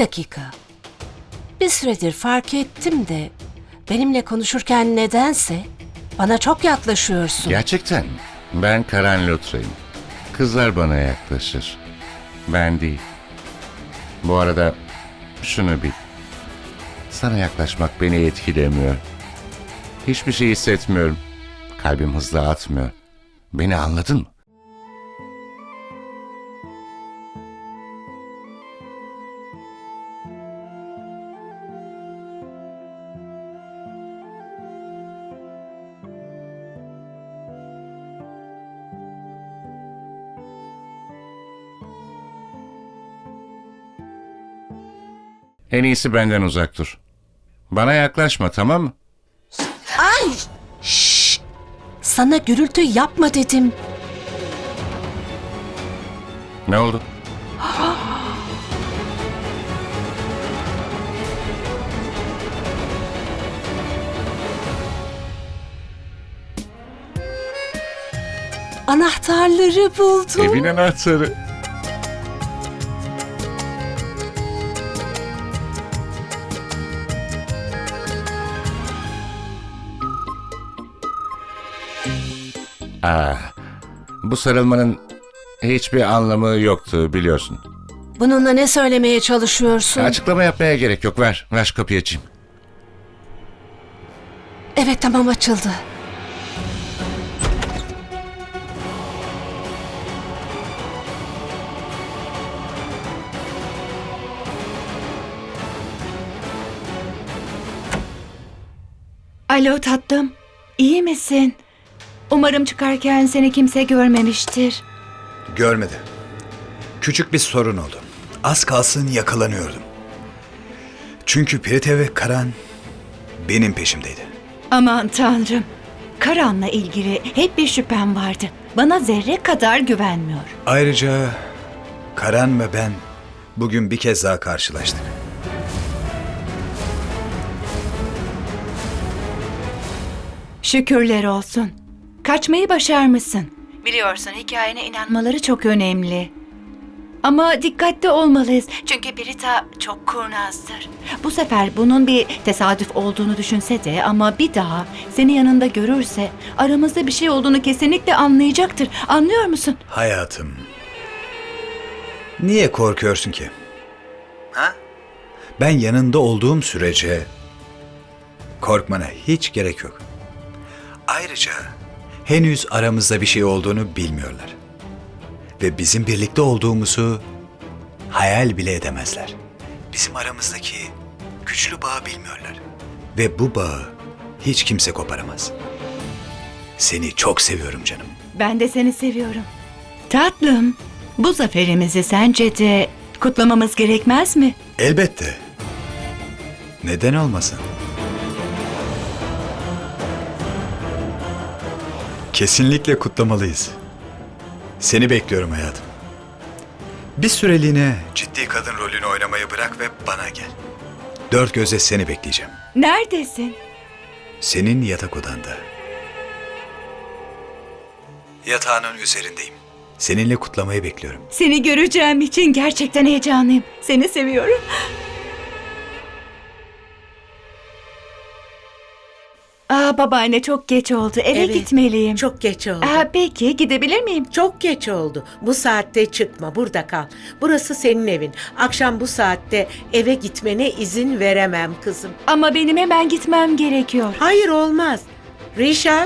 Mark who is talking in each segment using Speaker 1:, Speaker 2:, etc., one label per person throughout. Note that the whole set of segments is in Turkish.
Speaker 1: dakika. Bir süredir fark ettim de benimle konuşurken nedense bana çok yaklaşıyorsun.
Speaker 2: Gerçekten ben Karan Lutra'yım. Kızlar bana yaklaşır. Ben değil. Bu arada şunu bil. Sana yaklaşmak beni etkilemiyor. Hiçbir şey hissetmiyorum. Kalbim hızlı atmıyor. Beni anladın mı? En iyisi benden uzak dur. Bana yaklaşma, tamam mı?
Speaker 1: Ay! Şşş! Sana gürültü yapma dedim.
Speaker 2: Ne oldu?
Speaker 1: Anahtarları buldum.
Speaker 2: Evin anahtarı. Bu sarılmanın hiçbir anlamı yoktu biliyorsun.
Speaker 1: Bununla ne söylemeye çalışıyorsun?
Speaker 2: Açıklama yapmaya gerek yok. Ver şu kapıyı açayım.
Speaker 1: Evet, tamam, açıldı.
Speaker 3: Alo tatlım, iyi misin? Umarım çıkarken seni kimse görmemiştir.
Speaker 4: Görmedi. Küçük bir sorun oldu. Az kalsın yakalanıyordum. Çünkü Prite ve Karan benim peşimdeydi.
Speaker 3: Aman tanrım, Karan'la ilgili hep bir şüphem vardı. Bana zerre kadar güvenmiyor.
Speaker 4: Ayrıca Karan ve ben bugün bir kez daha karşılaştık.
Speaker 3: Şükürler olsun. Kaçmayı başarmışsın. Biliyorsun hikayene inanmaları çok önemli. Ama dikkatli olmalıyız çünkü Prita çok kurnazdır. Bu sefer bunun bir tesadüf olduğunu düşünse de ama bir daha seni yanında görürse aramızda bir şey olduğunu kesinlikle anlayacaktır. Anlıyor musun?
Speaker 4: Hayatım, niye korkuyorsun ki? Ha? Ben yanında olduğum sürece korkmana hiç gerek yok. Ayrıca henüz aramızda bir şey olduğunu bilmiyorlar. Ve bizim birlikte olduğumuzu hayal bile edemezler. Bizim aramızdaki güçlü bağı bilmiyorlar. Ve bu bağı hiç kimse koparamaz. Seni çok seviyorum canım.
Speaker 3: Ben de seni seviyorum. Tatlım, bu zaferimizi sence de kutlamamız gerekmez mi?
Speaker 4: Elbette. Neden olmasın? Kesinlikle kutlamalıyız. Seni bekliyorum hayatım. Bir süreliğine ciddi kadın rolünü oynamayı bırak ve bana gel. Dört gözle seni bekleyeceğim.
Speaker 3: Neredesin?
Speaker 4: Senin yatak odanda. Yatağının üzerindeyim. Seninle kutlamayı bekliyorum.
Speaker 3: Seni göreceğim için gerçekten heyecanlıyım. Seni seviyorum. Babaanne çok geç oldu. Eve
Speaker 5: Evet,
Speaker 3: gitmeliyim.
Speaker 5: Çok geç oldu.
Speaker 3: Peki gidebilir miyim?
Speaker 5: Çok geç oldu. Bu saatte çıkma, burada kal. Burası senin evin. Akşam bu saatte eve gitmene izin veremem kızım.
Speaker 3: Ama benim hemen gitmem gerekiyor.
Speaker 5: Hayır, olmaz. Rişap.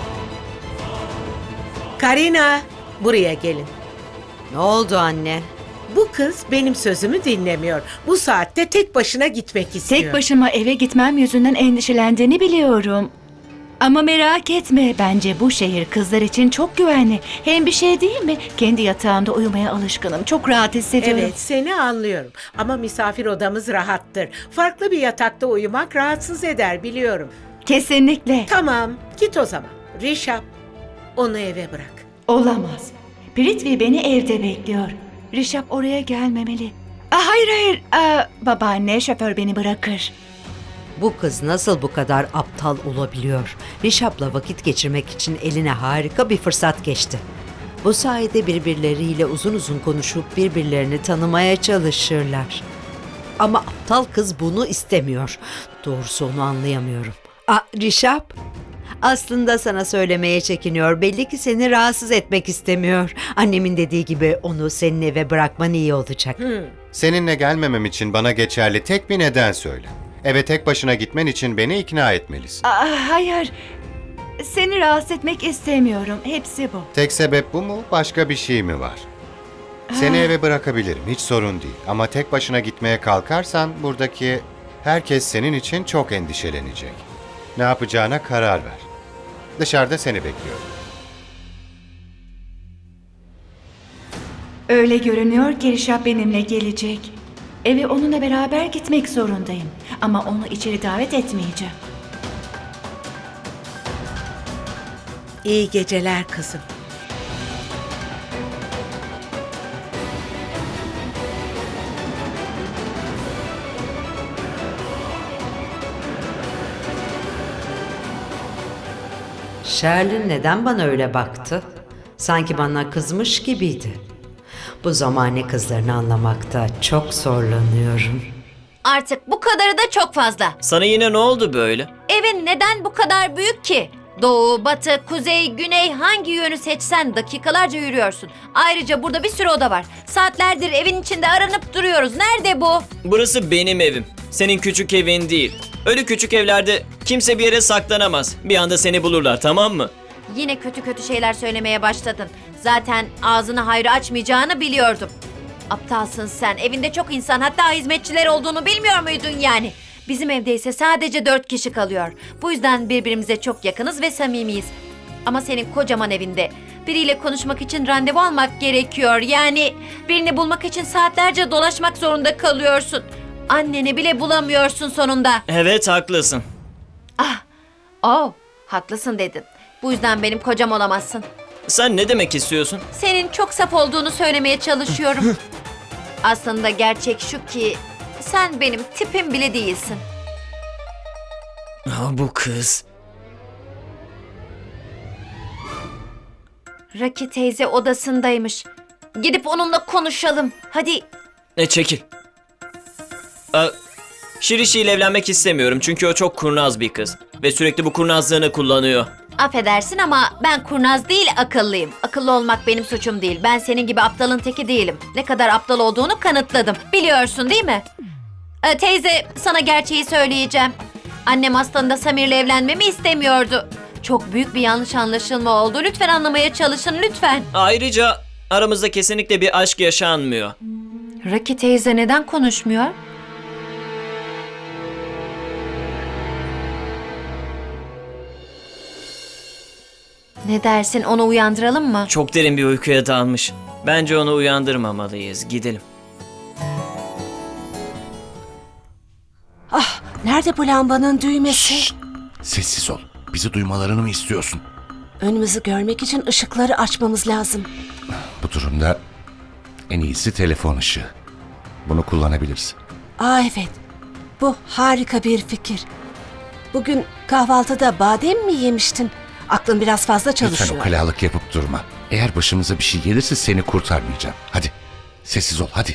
Speaker 5: Karina, buraya gelin.
Speaker 6: Ne oldu anne?
Speaker 5: Bu kız benim sözümü dinlemiyor. Bu saatte tek başına gitmek istiyor.
Speaker 3: Tek başıma eve gitmem yüzünden endişelendiğini biliyorum. Ama merak etme, bence bu şehir kızlar için çok güvenli. Hem bir şey değil mi? Kendi yatağımda uyumaya alışkınım. Çok rahat hissediyorum.
Speaker 5: Evet, seni anlıyorum. Ama misafir odamız rahattır. Farklı bir yatakta uyumak rahatsız eder, biliyorum.
Speaker 3: Kesinlikle.
Speaker 5: Tamam, git o zaman. Rişap, onu eve bırak.
Speaker 3: Olamaz. Prithvi beni evde bekliyor. Rişap oraya gelmemeli. Hayır. Babaanne, şoför beni bırakır.
Speaker 6: Bu kız nasıl bu kadar aptal olabiliyor? Rişap'la vakit geçirmek için eline harika bir fırsat geçti. Bu sayede birbirleriyle uzun uzun konuşup birbirlerini tanımaya çalışırlar. Ama aptal kız bunu istemiyor. Doğrusu onu anlayamıyorum. Rişap, aslında sana söylemeye çekiniyor. Belli ki seni rahatsız etmek istemiyor. Annemin dediği gibi onu senin eve bırakman iyi olacak.
Speaker 7: Seninle gelmemem için bana geçerli tek bir neden söyle. Eve tek başına gitmen için beni ikna etmelisin.
Speaker 3: Hayır. Seni rahatsız etmek istemiyorum. Hepsi bu.
Speaker 7: Tek sebep bu mu? Başka bir şey mi var? Seni eve bırakabilirim, hiç sorun değil. Ama tek başına gitmeye kalkarsan buradaki herkes senin için çok endişelenecek. Ne yapacağına karar ver. Dışarıda seni bekliyorum.
Speaker 3: Öyle görünüyor ki Rişap benimle gelecek. Eve onunla beraber gitmek zorundayım. Ama onu içeri davet etmeyeceğim.
Speaker 5: İyi geceler kızım.
Speaker 6: Sherlin neden bana öyle baktı? Sanki bana kızmış gibiydi. Bu zamane kızlarını anlamakta çok zorlanıyorum.
Speaker 8: Artık bu kadarı da çok fazla.
Speaker 9: Sana yine ne oldu böyle?
Speaker 8: Evin neden bu kadar büyük ki? Doğu, batı, kuzey, güney hangi yönü seçsen dakikalarca yürüyorsun. Ayrıca burada bir sürü oda var. Saatlerdir evin içinde aranıp duruyoruz. Nerede bu?
Speaker 9: Burası benim evim. Senin küçük evin değil. Öyle küçük evlerde kimse bir yere saklanamaz. Bir anda seni bulurlar, tamam mı?
Speaker 8: Yine kötü kötü şeyler söylemeye başladın. Zaten ağzını hayra açmayacağını biliyordum. Aptalsın sen. Evinde çok insan, hatta hizmetçiler olduğunu bilmiyor muydun yani? Bizim evde ise sadece 4 kişi kalıyor. Bu yüzden birbirimize çok yakınız ve samimiyiz. Ama senin kocaman evinde biriyle konuşmak için randevu almak gerekiyor. Yani birini bulmak için saatlerce dolaşmak zorunda kalıyorsun. Anneni bile bulamıyorsun sonunda.
Speaker 9: Evet, haklısın.
Speaker 8: Haklısın dedin. Bu yüzden benim kocam olamazsın.
Speaker 9: Sen ne demek istiyorsun?
Speaker 8: Senin çok saf olduğunu söylemeye çalışıyorum. Aslında gerçek şu ki sen benim tipim bile değilsin.
Speaker 9: Bu kız.
Speaker 8: Raki teyze odasındaymış. Gidip onunla konuşalım. Hadi.
Speaker 9: Çekil. Şirişi ile evlenmek istemiyorum çünkü o çok kurnaz bir kız. Ve sürekli bu kurnazlığını kullanıyor.
Speaker 8: Affedersin ama ben kurnaz değil akıllıyım. Akıllı olmak benim suçum değil. Ben senin gibi aptalın teki değilim. Ne kadar aptal olduğunu kanıtladım. Biliyorsun değil mi? Teyze, sana gerçeği söyleyeceğim. Annem aslında Samir'le evlenmemi istemiyordu. Çok büyük bir yanlış anlaşılma oldu. Lütfen anlamaya çalışın, lütfen.
Speaker 9: Ayrıca aramızda kesinlikle bir aşk yaşanmıyor.
Speaker 8: Raki teyze neden konuşmuyor? Ne dersin, onu uyandıralım mı?
Speaker 9: Çok derin bir uykuya dalmış. Bence onu uyandırmamalıyız. Gidelim.
Speaker 1: Nerede bu lambanın düğmesi?
Speaker 2: Sessiz ol. Bizi duymalarını mı istiyorsun?
Speaker 1: Önümüzü görmek için ışıkları açmamız lazım.
Speaker 2: Bu durumda en iyisi telefon ışığı. Bunu kullanabiliriz.
Speaker 1: Evet. Bu harika bir fikir. Bugün kahvaltıda badem mi yemiştin? Aklın biraz fazla
Speaker 2: Lütfen
Speaker 1: çalışıyor.
Speaker 2: ukalalık yapıp durma. Eğer başımıza bir şey gelirse seni kurtarmayacağım. Hadi. Sessiz ol hadi.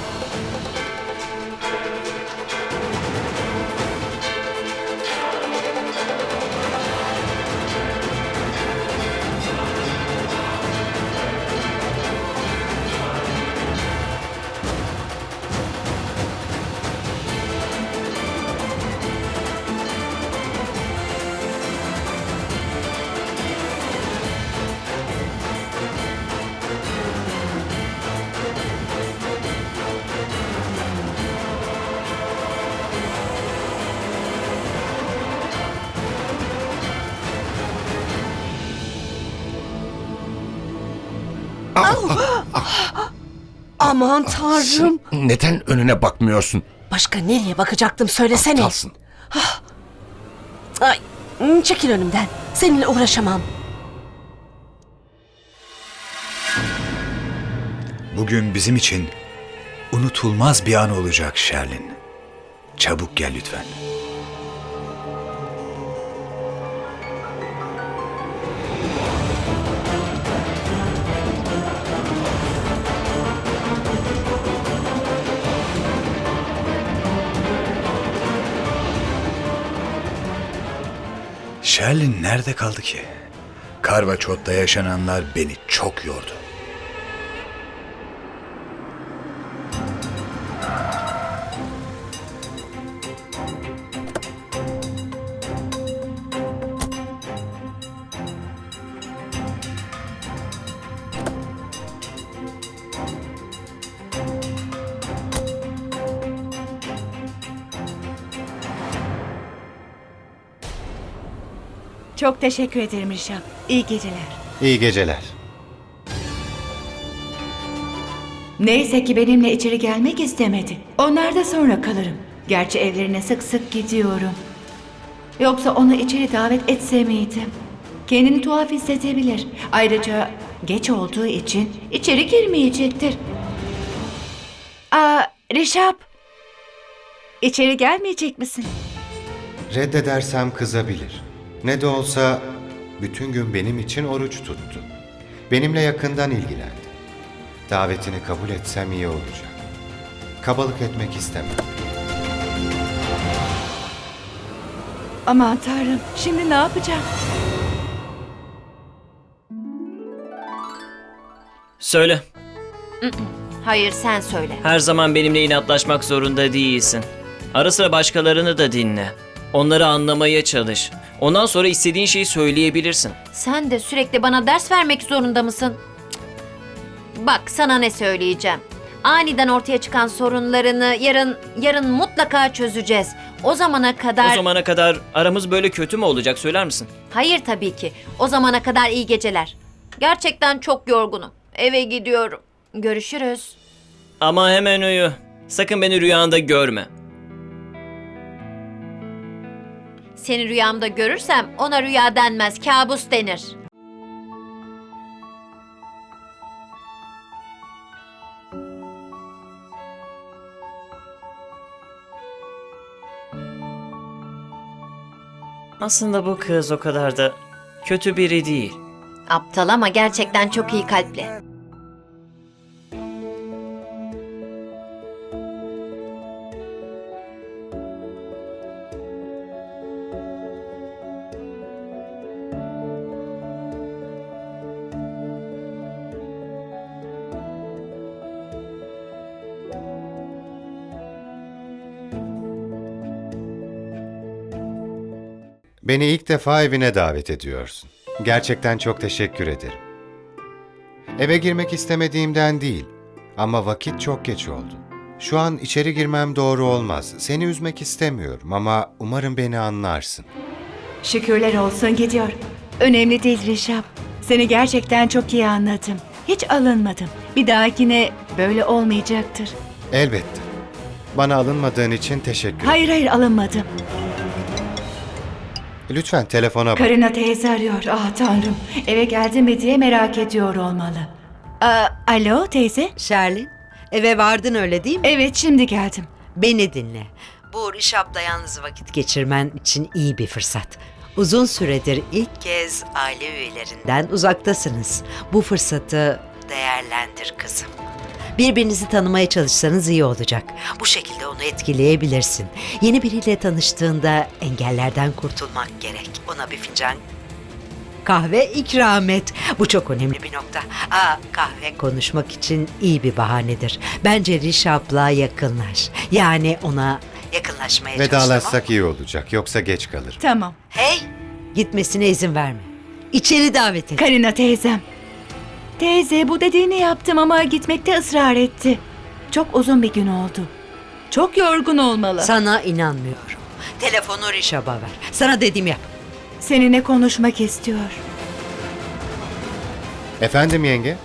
Speaker 1: Aman tanrım.
Speaker 2: Neden önüne bakmıyorsun?
Speaker 1: Başka nereye bakacaktım söylesene.
Speaker 2: Aptalsın.
Speaker 1: Ay, çekil önümden. Seninle uğraşamam.
Speaker 4: Bugün bizim için unutulmaz bir an olacak Sherlin. Çabuk gel lütfen. Sherlin nerede kaldı ki? Karvaçot'ta yaşananlar beni çok yordu.
Speaker 3: Çok teşekkür ederim Rişap. İyi geceler.
Speaker 7: İyi geceler.
Speaker 3: Neyse ki benimle içeri gelmek istemedi. Onlar da sonra kalırım. Gerçi evlerine sık sık gidiyorum. Yoksa onu içeri davet etse miydim? Kendini tuhaf hissedebilir. Ayrıca geç olduğu için içeri girmeyecektir. Rişap. İçeri gelmeyecek misin?
Speaker 7: Reddedersem kızabilir. Ne de olsa bütün gün benim için oruç tuttu. Benimle yakından ilgilendi. Davetini kabul etsem iyi olacak. Kabalık etmek istemem.
Speaker 3: Aman Tanrım, şimdi ne yapacağım?
Speaker 9: Söyle.
Speaker 8: Hayır, sen söyle.
Speaker 9: Her zaman benimle inatlaşmak zorunda değilsin. Ara sıra başkalarını da dinle. Onları anlamaya çalış. Ondan sonra istediğin şeyi söyleyebilirsin.
Speaker 8: Sen de sürekli bana ders vermek zorunda mısın? Cık. Bak, sana ne söyleyeceğim. Aniden ortaya çıkan sorunlarını yarın mutlaka çözeceğiz. O zamana kadar...
Speaker 9: O zamana kadar aramız böyle kötü mü olacak, söyler misin?
Speaker 8: Hayır tabii ki. O zamana kadar iyi geceler. Gerçekten çok yorgunum. Eve gidiyorum. Görüşürüz.
Speaker 9: Ama hemen uyu. Sakın beni rüyanda görme.
Speaker 8: Seni rüyamda görürsem ona rüya denmez, kabus denir.
Speaker 9: Aslında bu kız o kadar da kötü biri değil.
Speaker 8: Aptal ama gerçekten çok iyi kalpli.
Speaker 7: Beni ilk defa evine davet ediyorsun. Gerçekten çok teşekkür ederim. Eve girmek istemediğimden değil ama vakit çok geç oldu. Şu an içeri girmem doğru olmaz. Seni üzmek istemiyorum ama umarım beni anlarsın.
Speaker 3: Şükürler olsun gidiyor. Önemli değil Rişap. Seni gerçekten çok iyi anladım. Hiç alınmadım. Bir dahakine böyle olmayacaktır.
Speaker 7: Elbette. Bana alınmadığın için teşekkür ederim.
Speaker 3: Hayır alınmadım.
Speaker 7: Lütfen telefona bak.
Speaker 3: Karina teyze arıyor. Ah Tanrım. Eve geldi mi diye merak ediyor olmalı. Alo teyze?
Speaker 6: Sherlin, eve vardın öyle değil mi?
Speaker 3: Evet şimdi geldim.
Speaker 6: Beni dinle. Bu Rişap'la yalnız vakit geçirmen için iyi bir fırsat. Uzun süredir ilk kez aile üyelerinden uzaktasınız. Bu fırsatı değerlendir kızım. Birbirinizi tanımaya çalışsanız iyi olacak. Bu şekilde onu etkileyebilirsin. Yeni biriyle tanıştığında engellerden kurtulmak gerek. Ona bir fincan kahve ikram et. Bu çok önemli bir nokta. Kahve konuşmak için iyi bir bahanedir. Bence Rişap'la yakınlaş. Yani ona yakınlaşmaya çalış.
Speaker 7: Vedalaşsak iyi olacak yoksa geç kalır.
Speaker 3: Tamam.
Speaker 6: Hey! Gitmesine izin verme. İçeri davet et.
Speaker 3: Karina teyzem. Teyze bu dediğini yaptım ama gitmekte ısrar etti. Çok uzun bir gün oldu. Çok yorgun olmalı.
Speaker 6: Sana inanmıyorum. Telefonu Rişap'a ver. Sana dediğimi yap.
Speaker 3: Seninle konuşmak istiyor.
Speaker 7: Efendim yenge?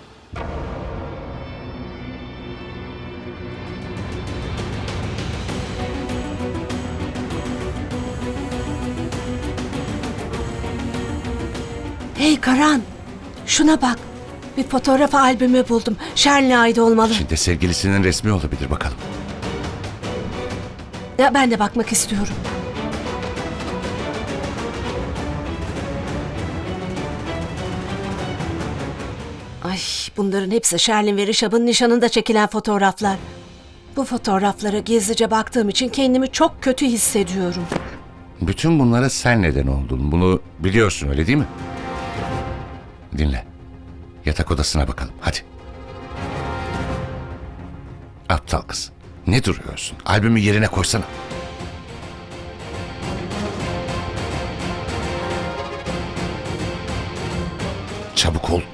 Speaker 1: Hey Karan, şuna bak. Bir fotoğraf albümü buldum. Sherlin'e ait olmalı.
Speaker 2: Şimdi sevgilisinin resmi olabilir, bakalım.
Speaker 1: Ya ben de bakmak istiyorum. Ay, bunların hepsi Sherlin ve Rişap'ın nişanında çekilen fotoğraflar. Bu fotoğraflara gizlice baktığım için kendimi çok kötü hissediyorum.
Speaker 2: Bütün bunlara sen neden oldun. Bunu biliyorsun, öyle değil mi? Dinle. Yatak odasına bakalım, hadi. Aptal kız. Ne duruyorsun? Albümü yerine koysana. Çabuk ol.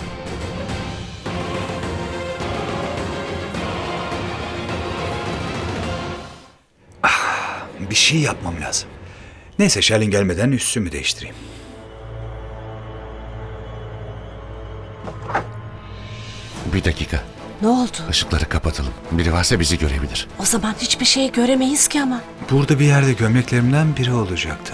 Speaker 4: Bir şey yapmam lazım. Neyse Şerlin gelmeden üstümü değiştireyim.
Speaker 2: Bir dakika.
Speaker 1: Ne oldu?
Speaker 2: Işıkları kapatalım. Biri varsa bizi görebilir.
Speaker 1: O zaman hiçbir şey göremeyiz ki ama.
Speaker 4: Burada bir yerde gömleklerimden biri olacaktı.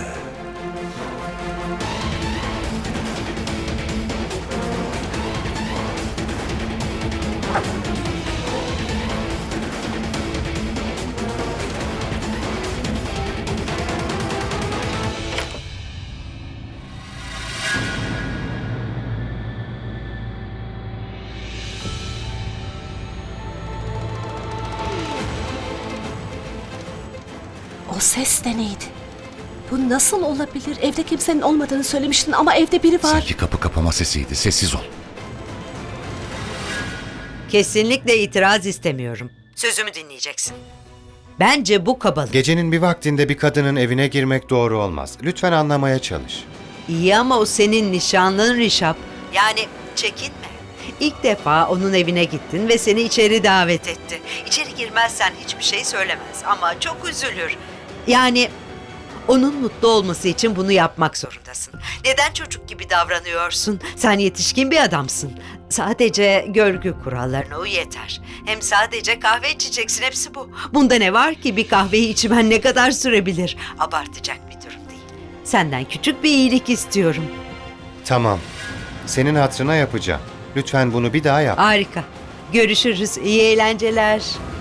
Speaker 1: O ses de neydi? Bu nasıl olabilir? Evde kimsenin olmadığını söylemiştin ama evde biri var.
Speaker 2: Sanki kapı kapama sesiydi. Sessiz ol.
Speaker 6: Kesinlikle itiraz istemiyorum. Sözümü dinleyeceksin. Bence bu kabalık.
Speaker 7: Gecenin bir vaktinde bir kadının evine girmek doğru olmaz. Lütfen anlamaya çalış.
Speaker 6: İyi ama o senin nişanlın Rişap. Yani çekinme. İlk defa onun evine gittin ve seni içeri davet etti. İçeri girmezsen hiçbir şey söylemez ama çok üzülür. Yani onun mutlu olması için bunu yapmak zorundasın. Neden çocuk gibi davranıyorsun? Sen yetişkin bir adamsın. Sadece görgü kurallarına uy yeter. Hem sadece kahve içeceksin, hepsi bu. Bunda ne var ki, bir kahveyi içmen ne kadar sürebilir? Abartacak bir durum değil. Senden küçük bir iyilik istiyorum.
Speaker 7: Tamam. Senin hatırına yapacağım. Lütfen bunu bir daha yap.
Speaker 6: Harika. Görüşürüz. İyi eğlenceler.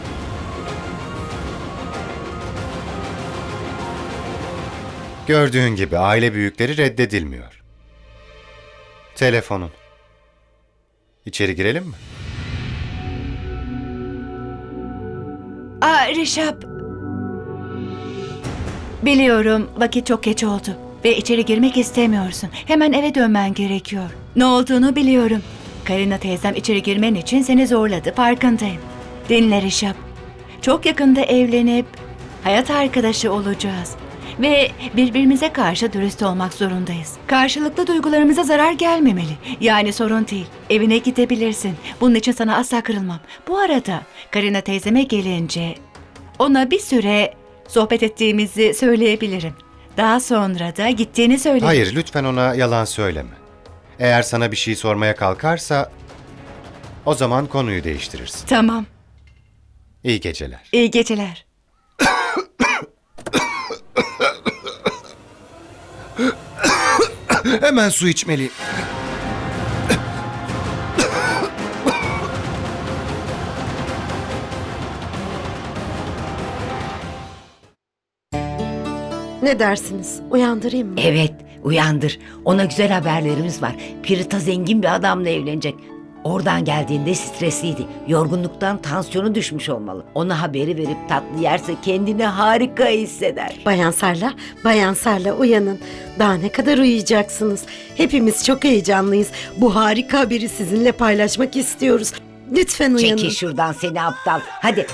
Speaker 7: Gördüğün gibi aile büyükleri reddedilmiyor. Telefonun. İçeri girelim mi?
Speaker 3: Rişap. Biliyorum vakit çok geç oldu ve içeri girmek istemiyorsun. Hemen eve dönmen gerekiyor. Ne olduğunu biliyorum. Karina teyzem içeri girmen için seni zorladı, farkındayım. Dinle Rişap. Çok yakında evlenip hayat arkadaşı olacağız. Ve birbirimize karşı dürüst olmak zorundayız. Karşılıklı duygularımıza zarar gelmemeli. Yani sorun değil. Evine gidebilirsin. Bunun için sana asla kırılmam. Bu arada Karina teyzeme gelince ona bir süre sohbet ettiğimizi söyleyebilirim. Daha sonra da gittiğini söyle.
Speaker 7: Hayır, lütfen ona yalan söyleme. Eğer sana bir şey sormaya kalkarsa o zaman konuyu değiştirirsin.
Speaker 3: Tamam.
Speaker 7: İyi geceler.
Speaker 3: İyi geceler.
Speaker 7: Hemen su içmeliyim.
Speaker 10: Ne dersiniz? Uyandırayım mı?
Speaker 11: Evet, uyandır. Ona güzel haberlerimiz var. Pirita zengin bir adamla evlenecek. Oradan geldiğinde stresliydi. Yorgunluktan tansiyonu düşmüş olmalı. Ona haberi verip tatlı yerse kendini harika hisseder.
Speaker 10: Bayan Sarla uyanın. Daha ne kadar uyuyacaksınız? Hepimiz çok heyecanlıyız. Bu harika haberi sizinle paylaşmak istiyoruz. Lütfen uyanın.
Speaker 11: Çekil şuradan seni aptal. Hadi.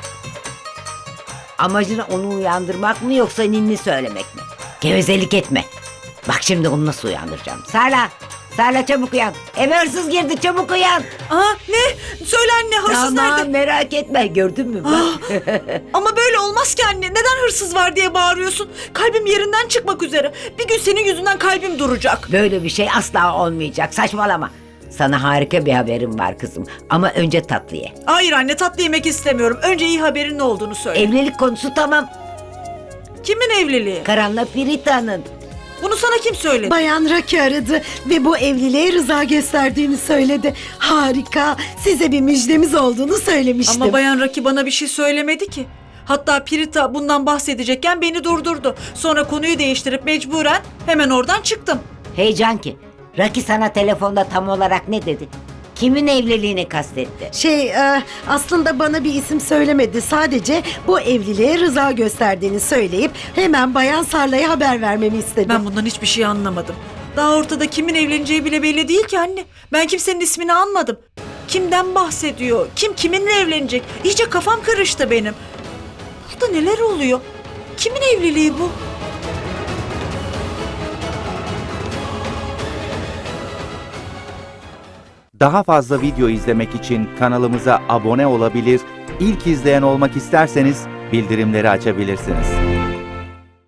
Speaker 11: Amacın onu uyandırmak mı yoksa ninni söylemek mi? Gevezelik etme. Bak şimdi onu nasıl uyandıracağım. Sarla çabuk uyan. Eve hırsız girdi, çabuk uyan.
Speaker 12: Ne? Söyle anne, hırsız
Speaker 11: Tamam,
Speaker 12: nerede?
Speaker 11: merak etme, gördün mü? Bak.
Speaker 12: Ama böyle olmaz ki anne. Neden hırsız var diye bağırıyorsun? Kalbim yerinden çıkmak üzere. Bir gün senin yüzünden kalbim duracak.
Speaker 11: Böyle bir şey asla olmayacak, saçmalama. Sana harika bir haberim var kızım. Ama önce tatlı ye.
Speaker 12: Hayır anne, tatlı yemek istemiyorum. Önce iyi haberin ne olduğunu söyle.
Speaker 11: Evlilik konusu tamam.
Speaker 12: Kimin evliliği?
Speaker 11: Karan'la Pirita'nın.
Speaker 12: Bunu sana kim söyledi?
Speaker 10: Bayan Raki aradı ve bu evliliğe rıza gösterdiğini söyledi. Harika. Size bir müjdemiz olduğunu söylemiştim.
Speaker 12: Ama Bayan Raki bana bir şey söylemedi ki. Hatta Pirita bundan bahsedecekken beni durdurdu. Sonra konuyu değiştirip mecburen hemen oradan çıktım.
Speaker 11: Hey Canki, Raki sana telefonda tam olarak ne dedi? Kimin evliliğini kastetti?
Speaker 10: Aslında bana bir isim söylemedi. Sadece bu evliliğe rıza gösterdiğini söyleyip hemen Bayan Sarla'ya haber vermemi istedi.
Speaker 12: Ben bundan hiçbir şey anlamadım. Daha ortada kimin evleneceği bile belli değil ki anne. Ben kimsenin ismini anmadım. Kimden bahsediyor? Kim kiminle evlenecek? İyice kafam karıştı benim. Burada neler oluyor? Kimin evliliği bu?
Speaker 13: Daha fazla video izlemek için kanalımıza abone olabilir, ilk izleyen olmak isterseniz bildirimleri açabilirsiniz.